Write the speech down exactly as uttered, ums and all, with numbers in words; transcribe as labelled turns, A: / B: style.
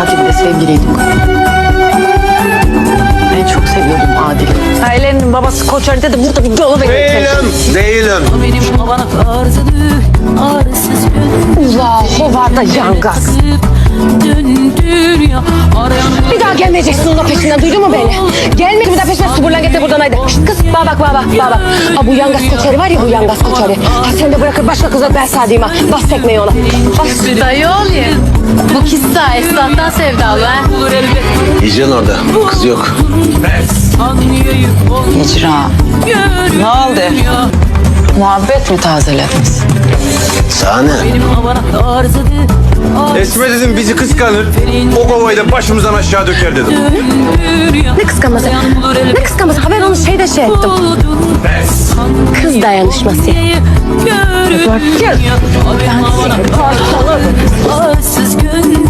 A: Adil'le sevgiliydik. Ben çok seviyordum Adil'i. Ailenin babası Koç Ali dedi burada bir dolu bekliyor.
B: Değilim, değilim.
C: Benim havana tarzıdı arsız gönül.
A: Ula hovarda yangaz.
C: Döndür ya arayan
A: Bir daha gelmeyeceksin onun peşinden, duydun mu beni? Gelme bir daha peşinden suburlan getir buradan haydi. Şşt kız bana bak bana bak bana bak. Aa, bu yangaz Koçeri var ya bu yangaz Koçeri. Ha sen de bırakır başka kızla ben sadeyim ha. Bas tekmeyi ona. Bas.
D: Dayı ol ya. Bu kissa esnaftan sevdalı ha.
C: bulur elbet.
B: Yiyeceksin orada. Kız yok.
C: Sanıya yük ol.
E: Hicra, ne oldu? Muhabbet mi tazelediniz?
B: Sahne.
C: Benim havana tarzıdı
F: Esme dedim bizi kıskanır. O kovayı da başımızdan aşağı döker dedim.
C: döndür ya
A: Ne kıskanması?
C: arayan bulur elbet.
A: Ne kıskanması? Ha ben onu şeyde şey ettim. Kız dayanışması.
C: Görün ya arayan havana tarzıdı arsız gönül.